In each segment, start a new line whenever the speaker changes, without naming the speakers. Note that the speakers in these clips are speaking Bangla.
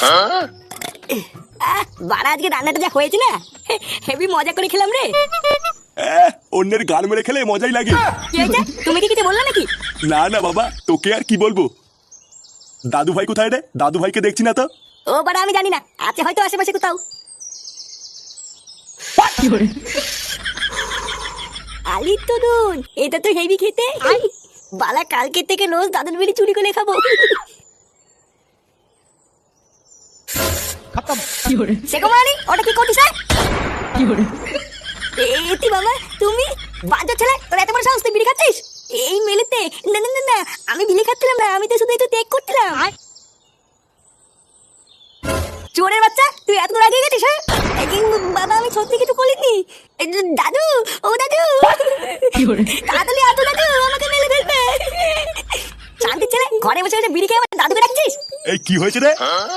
বাড়া আজকে রান্নাটা যা হয়েছে না, হেভি মজা করে খেলাম রে।
অন্যের গান মেরে খেলে মজাই লাগে।
কি হয়েছে? তুমি কি কিছু বললা নাকি?
না না বাবা, তোকে আর কি বলবো। দাদু ভাই কোথায় রে? দাদু ভাইকে দেখছি না তো।
ও বাড়া আমি জানি না, আছে হয়তো আশেপাশে কোথাও। আলি তরুণ, এটা তো হেভি খেতে। বালা কালকে থেকে রোজ দাদুর বিড়ি চুরি করে খাবো। সেগোমারি, ওটা কি করছিস? এতি বাবা, তুমি বাজা ছেলে, তোর এত বড় সাহস, তুই বিড়ি খাচ্ছিস এই মেলেতে? না না না না, আমি বিড়ি খাচ্ছিলাম না, আমি তো শুধু একটু ত্যাগ করছিলাম। চোরের বাচ্চা, তুই এত দূর আগে গেছিস? হ্যাঁ বাবা, আমি সত্যি কিছু করিনি। দাদু, ও দাদু, তাড়াতাড়ি আসো দাদু, আমাকে মেলে ফেলবে। শান্তি ছেলে, ঘরে বসে বসে বিড়ি খেয়ে আমার দাদুকে ডাকছিস?
এই কি হয়েছে রে?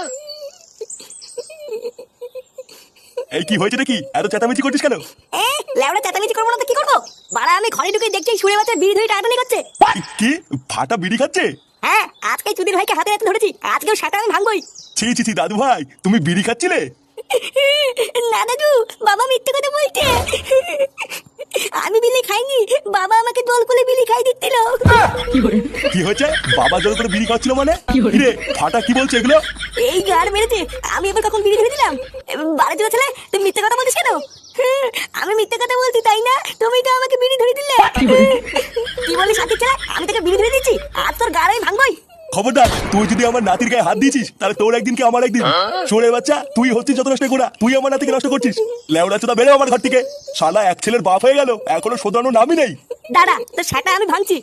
এই কি হয়েছে নাকি? এত চেঁচামেচি করছিস কেন?
লেওড়া চেঁচামেচি করবো না তো কি করবো? বাড়া আমি ঘরে ঢুকে দেখছি সুরে বাচ্চা বিড়ি ধরে টাটানি করছে।
কি ফাটা বিড়ি খাচ্ছে?
হ্যাঁ, আজকে চুদির ভাইকে হাতে হাতে ধরেছি, আজকেও সেটা আমি ভাঙবই।
ছি ছি ছি, দাদু ভাই তুমি বিড়ি খাচ্ছিলে?
না দাদু, বাবা মিথ্যে কথা বলছে। আমি বিলি খাইনি, বাবা আমাকে দোল করে বিলি খাই দিচ্ছিল।
কি হয়েছে? বাবা জল করে বিড়ি খাচ্ছিল মানে? রে ফাটা কি বলছে এগুলো?
এই গার মেরেছে, আমি এবার কখন বিড়ি ধরে দিলাম? বাড়ি চলে ছেলে, তুমি মিথ্যে কথা বলছিস কেন? আমি মিথ্যে কথা বলছি তাই না? তুমি তো আমাকে বিড়ি ধরে দিলে। কি বলিস সাথে ছেলে? আমি তোকে বিড়ি ধরে দিচ্ছি, আর তোর গার আমি ভাঙবই।
খবরদার, তুই যদি আমার নাতির গায়ে হাত দিয়েছিস তাহলে তোর একদিন কি আমার একদিন। চোরের বাচ্চা, তুই হচ্ছিস যত নষ্ট করা, তুই আমার নাতিকে নষ্ট করছিস। লেওড়া চোদা, বেরো আমার ঘর থেকে। শালা এক ছেলের বাপ হয়ে গেল, এখনো শোধানোর নামই নেই।
দাঁড়া, তো সেটা আমি ভাঙছি।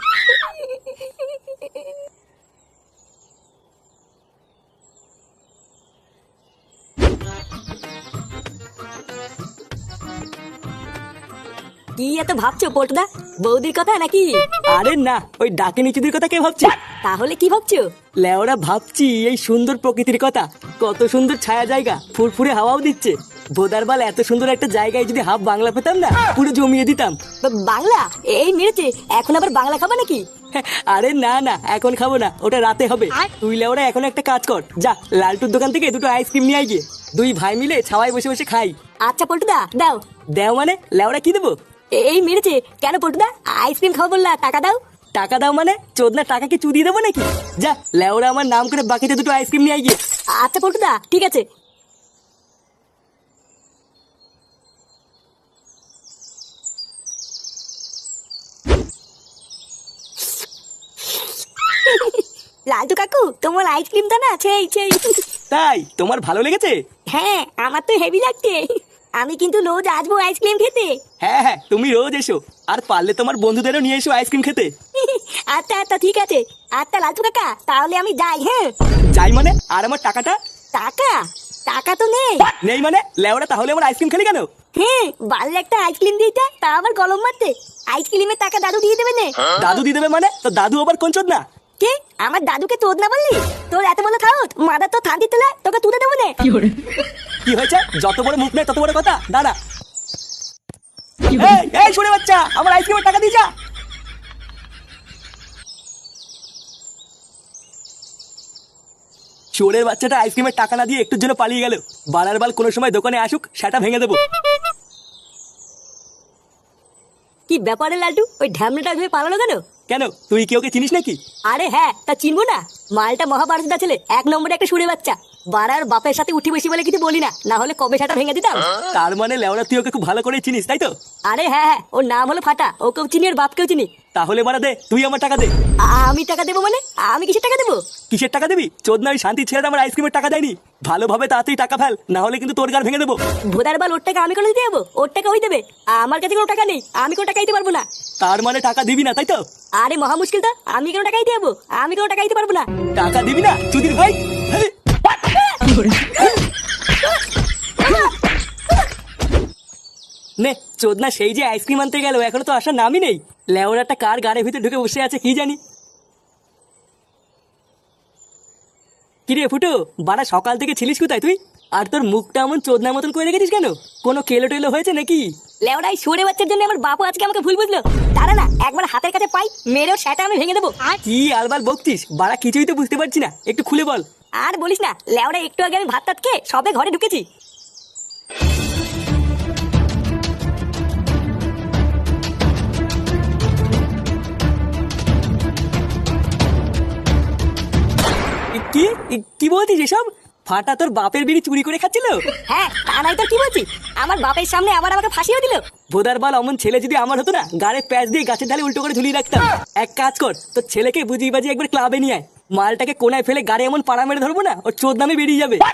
কি এত ভাবছো পল্টুদা? বৌদির কথা নাকি?
আরে না, ওই ডাকিনী চুদির কথা কে ভাবছে?
তাহলে কি ভাবছো?
লেওরা ভাবছি এই সুন্দর প্রকৃতির কথা। কত সুন্দর ছায়া জায়গা, ফুরফুরে হাওয়াও দিচ্ছে। ভোদারবাল, এত সুন্দর একটা জায়গায় যদি হাফ বাংলা পেতাম না, পুরো জমিয়ে দিতাম।
বাংলা? এই মেরেছে, এখন আবার বাংলা খাবা নাকি?
আরে না না, এখন খাবো না, ওটা রাতে হবে। তুই লেওরা এখন একটা কাজ কর, যা লালটুর দোকান থেকে দুটো আইসক্রিম নিয়ে আয় গিয়ে। দুই ভাই মিলে ছাওয়ায় বসে বসে খাই।
আচ্ছা পল্টুদা, দাও।
দেও মানে? লেওরা কি দেবো?
এই মেরেছে কেন পল্টুদা? আইসক্রিম খাবো বললা, টাকা দাও।
টাকা দাও মানে? চোদনা টাকা কি চুদিয়ে দেবো নাকি? যা লেওরা আমার নাম করে বাকিতে দুটো আইসক্রিম নিয়ে আয় গিয়ে।
আচ্ছা পল্টুদা, ঠিক আছে। লালটু কাকু, তোমার আইসক্রিমটা না সেই সেই।
তাই তোমার ভালো লেগেছে?
হ্যাঁ, আমার তো হেভি লাগছে। আমি কিন্তু রোজ আসবো আইসক্রিম খেতে।
হ্যাঁ হ্যাঁ, তুমি রোজ এসো, আর পারলে তোমার বন্ধুদেরও নিয়ে এসো আইসক্রিম খেতে।
আচ্ছা আচ্ছা, ঠিক আছে। আচ্ছা লালটু কাকা, তাহলে আমি যাই। হ্যাঁ
যাই মানে? আর আমার টাকাটা?
টাকা? টাকা তো নেই।
নেই মানে? লেওরা তাহলে আমার আইসক্রিম খেলি কেন?
হ্যাঁ, বাড়ির একটা আইসক্রিম দিতে, তা আবার গলম মারতে। আইসক্রিমের টাকা দাদু দিয়ে দেবে না।
দাদু দিয়ে দেবে মানে? তো দাদু আবার কোন চোদ না?
কে? আমার দাদুকে তোদ না বললি? তোর এত বড় খাওত, মাদার তো থান্তি তোলা, তোকে তুলে দেবো না।
কি হয়েছে? যত বড় মুখ নেই তত বড় কথা। দাঁড়া, এই এই শুনে বাচ্চা, আমার আইসক্রিমের টাকা দিয়ে যা। চোরের বাচ্চাটা আইসক্রিমের টাকা না দিয়ে একটুর জন্য পালিয়ে গেল। বালার বাল কোনো সময় দোকানে আসুক, সেটা ভেঙে দেবো।
কি ব্যাপারে লালটু, ওই ঢ্যামনাটা ধরে পালালো কেন?
কেন, তুই কি ওকে চিনিস নাকি?
আরে হ্যাঁ, তা চিনবো না? মালটা মহাভারতদা ছেলে, এক নম্বরে একটা সুরে বাচ্চা। বাড়ার বাপের সাথে উঠি বসি বলে কিছু বলি না, না হলে কবে সেটা ভেঙে দিতাম।
তার মানে লেওরা তুই ওকে খুব ভালো করে চিনিস, তাই তো?
আরে হ্যাঁ হ্যাঁ, ওর নাম হলো ফাটা, ওকেও চিনি ওর বাপকেও চিনি।
তাহলে মারা দে, তুই আমার টাকা দে।
আমি টাকা দেবো মানে? আমি কিসের টাকা দেবো?
কিসের টাকা দিবি? চোদনা, ওই শান্তি ছেড়ে আমার আইসক্রিমের টাকা দেয়নি। ভালোভাবে তাড়াতাড়ি টাকা ফেল, না হলে কিন্তু তোর গার ভেঙে দেবো।
ভোদার বাল, ওর টাকা আমি কোনো দিতে যাবো? ওর টাকা ওই দেবে, আমার কাছে কোনো টাকা নেই, আমি কোনো টাকা দিতে পারবো না।
তার মানে টাকা দিবি না, তাই তো?
আরে মহা মুশকিল তো, আমি কোনো টাকা দিতে যাবো? আমি কোনো টাকা দিতে পারবো না।
টাকা দিবি না চুদির ভাই? নে চোদনা, সেই যে আইসক্রিম আনতে গেল, এখনো তো আসার নামই নেই। লেওরাটা কার গাড়ির ভিতরে ঢুকে বসে আছে কি জানি। কিরে ফুটো, বাড়া সকাল থেকে ছিলিস কোথায় তুই? আর তোর মুখটা এমন চোদনার মতন করে রেখেছিস কেন? কোনো কেলো টেলো হয়েছে নাকি?
লেওড়াই সরে বাচ্চার জন্য আমার বাপু আজকে আমাকে ভুল বুঝলো। দাঁড়া না, একবার হাতের কাছে পাই, মেরেও সেটা আমি ভেঙে দেবো।
কি আলবাল বকছিস? বাড়া কিছুই তো বুঝতে পারছি না, একটু খুলে বল।
আর বলিস না, লেওরা একটু আগে আমি ভাত টাত খেয়ে সবে ঘরে ঢুকেছি।
কি কি বলছিস এসব? ফাটা তোর বাপের বিড়ি চুরি করে খাচ্ছিল?
হ্যাঁ, তা নাই তো কি বলছি, আমার বাপের সামনে আবার আমাকে ফাঁসিও দিল।
ভোদার বাল, অমন ছেলে যদি আমার হতো না, গাড়ে প্যাচ দিয়ে গাছের ঢালে উল্টো করে ঝুলিয়ে রাখতাম। এক কাজ কর, তোর ছেলেকে বুঝিয়ে বাজিয়ে একবার ক্লাবে নিয়ে আয়। মালটাকে কোনায় ফেলে গাড়ি এমন পাড়া মেরে ধরবো না, ওর চোদ নামে বেরিয়ে যাবে।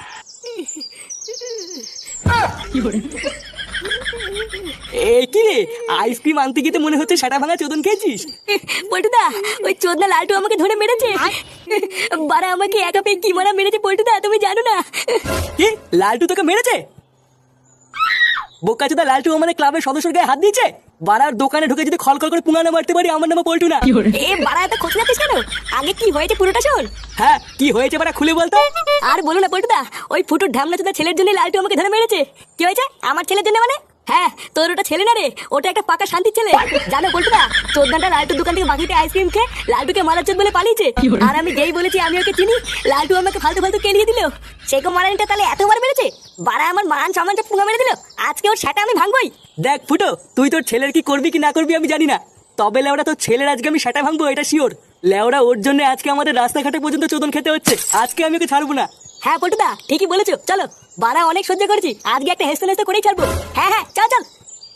এ কি রে, আইসক্রিম আনতে গিয়ে তো মনে হচ্ছে সেটা ভাঙা চোদন খেয়েছিস।
পল্টুদা, ওই চোদনা লালটু আমাকে ধরে মেরেছে। বারা আমাকে একা পেয়ে কি মারা মেরেছে পল্টুদা, তুমি জানো না?
কি, লালটু তোকে মেরেছে? বোকাচোদা, লালটু আমাদের ক্লাবের সদস্যর গায়ে হাত দিয়েছে। বাড়ার দোকানে ঢুকে যদি খলখল করে পুঙ্গানো মারতে পারি, আমার নামে পল্টু না।
এ বারা, এত খোঁজ যাচ্ছিস কেন? আগে কি হয়েছে পুরোটা শোন।
হ্যাঁ, কি হয়েছে বাড়া খুলে বলতো।
আর বলো না পল্টুদা, ওই ফুটুর ঢামনা চোদা ছেলের জন্য লালটু আমাকে ধরে মেরেছে। কি হয়েছে আমার ছেলের জন্য মানে? হ্যাঁ, তোর ওটা ছেলে না রে, ওটা একটা পাকা শান্তির ছেলে। জানো পল্টুদা, চোদনাটা লালটুর দোকান থেকে বাকিতে আইসক্রিম খেয়ে লালটুকে মারার চোদ বলে পালিয়েছে। আর আমি যেই বলেছি আমি ওকে চিনি, লালটু আমাকে ফালতু ফালতু কেলিয়ে দিল। সেকো মারানিটা তাহলে এতবার মেরেছে, বারা আমার মান সম্মানটা পুঙ্গা মেরে দিল। আজকে ওর সেটা আমি ভাঙবই।
দেখ ফুটো, তুই তোর ছেলের কি করবি কি না করবি আমি জানি না, তবে লেওড়া তোর ছেলের আজকে আমি সেটা ভাঙবো, এটা শিওর। লেওড়া ওর জন্য আজকে আমাদের রাস্তাঘাটে পর্যন্ত চোদন খেতে হচ্ছে। আজকে আমি ওকে ছাড়বো না।
হ্যাঁ পল্টুদা, ঠিকই বলেছো, চলো। বারা অনেক সহ্য করেছি, আজকে একটা হেসতে হেসতে করেই ছাড়বো। হ্যাঁ হ্যাঁ, চল চল।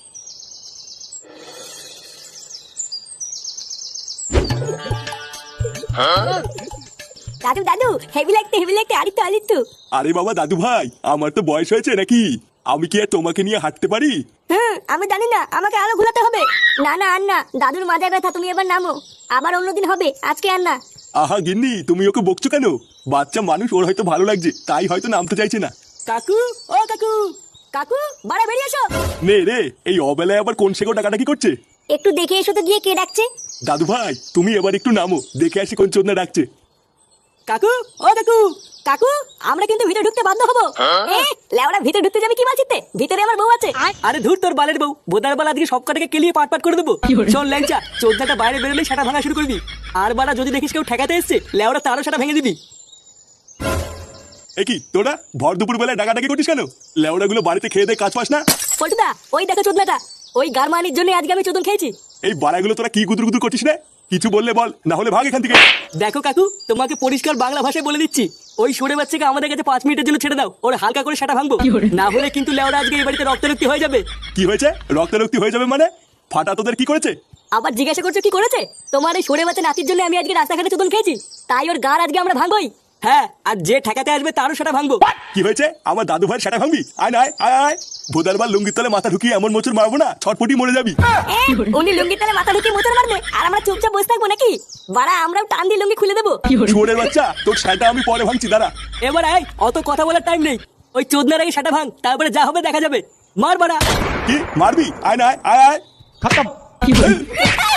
দাদু দাদু, হেভি লাগতে আরিত্তু।
আরে বাবা দাদু ভাই, আমার তো বয়স হয়েছে নাকি? আমি কি আর তোমাকে নিয়ে হাঁটতে পারি?
আমি জানি না, আমাকে আরো ঘুরাতে হবে। না না, আর না, দাদুর মাথায় ব্যথা, তুমি এবার নামো। আবার অন্যদিন হবে, আজকে আর না।
আহা গিন্নি, তুমি ওকে বকছো কেন? বাচ্চা মানুষ, ওর হয়তো ভালো লাগছে, তাই হয়তো নামতে চাইছে না।
কাকু, ও কাকু।
কাকু, বাড়া বেরিয়ে এসো।
নে রে, এই অবেলায় আবার কোন শেখো ডাকাডাকি করছে?
একটু দেখে এসো তো গিয়ে কে ডাকছে।
দাদু ভাই, তুমি এবার একটু নামো, দেখে আসি কোন চোদনা ডাকছে।
কাকু, ও কাকু।
কাকু, আমরা কিন্তু ভিতরে ঢুকতে বাধ্য হবো। লেওরা ভিতরে ঢুকতে যাবে কি বাঁচিতে? ভিতরে আমার বউ আছে।
আরে ধুর তোর বালের বউ, বোদার বাল আজকে সব কটাকে কেলিয়ে পাট পাট করে দেবো। শোন ল্যাংচা, চোদ্দাটা বাইরে বেরোলেই সেটা ভাঙা শুরু করবি। আর বাড়া যদি দেখিস কেউ ঠেকাতে এসছে, লেওরা তারও সেটা ভেঙে দিবি।
এ কি তোরা ভর দুপুর বেলায় ডাকাডাকি করছিস কেন? লেওড়া গুলো বাড়িতে খেয়ে দেয়, কাজ পাস না?
পল্টুদা, ওই দেখো চোদনাটা, ওই গারমানির জন্য আজকে আমি চোদন খেয়েছি।
এই বাড়াগুলো তোরা কি গুদুর গুদুর করছিস রে? কিছু বললে বল, না হলে ভাগ এখান থেকে।
দেখো কাকু, তোমাকে পরিষ্কার বাংলা ভাষায় বলে দিচ্ছি, ওই সরে বাচ্চাকে আমাদের কাছে 5 মিনিটের জন্য ছেড়ে দাও, ওর হালকা করে সেটা ভাঙবো। না হলে কিন্তু লেওড়া আজকে এই বাড়িতে রক্তারক্তি হয়ে যাবে।
কি হয়েছে? রক্তারক্তি হয়ে যাবে মানে? ফাটা তোদের কি করেছে?
আবার জিজ্ঞাসা করছো কি করেছে? তোমার এই সরে বাচ্চা নাতির জন্য আমি আজকে রাস্তাঘাটে চোদন খেয়েছি, তাই ওর গার আজকে আমরা ভাঙবই।
হ্যাঁ, আর যে ঠেকাতে আসবে তারও সেটা ভাঙবো।
কি হয়েছে? আমার দাদু ভাইয়ের সেটা ভাঙবি? আয় না, আয় আয়। ভোদার বাল লুঙ্গির তলে মাথা ঢুকিয়ে এমন মোচড় মারবো না, ছটপটি মরে যাবি।
উনি লুঙ্গির তলে মাথা ঢুকিয়ে মোচড় মারবে, আর আমরা চুপচাপ বসে থাকবো নাকি? বাড়া, আমরাও টান দিয়ে লুঙ্গি খুলে দেবো।
শুয়োরের বাচ্চা, তোর সেটা আমি পরে ভাঙছি, দাঁড়া।
এবার আয়, অত কথা বলার টাইম নেই। ওই চোদনার আগে সেটা ভাঙ, তারপরে যা হবে দেখা যাবে। মার বাড়া।
কি মারবি? আয় না, আয় আয়।
খতম।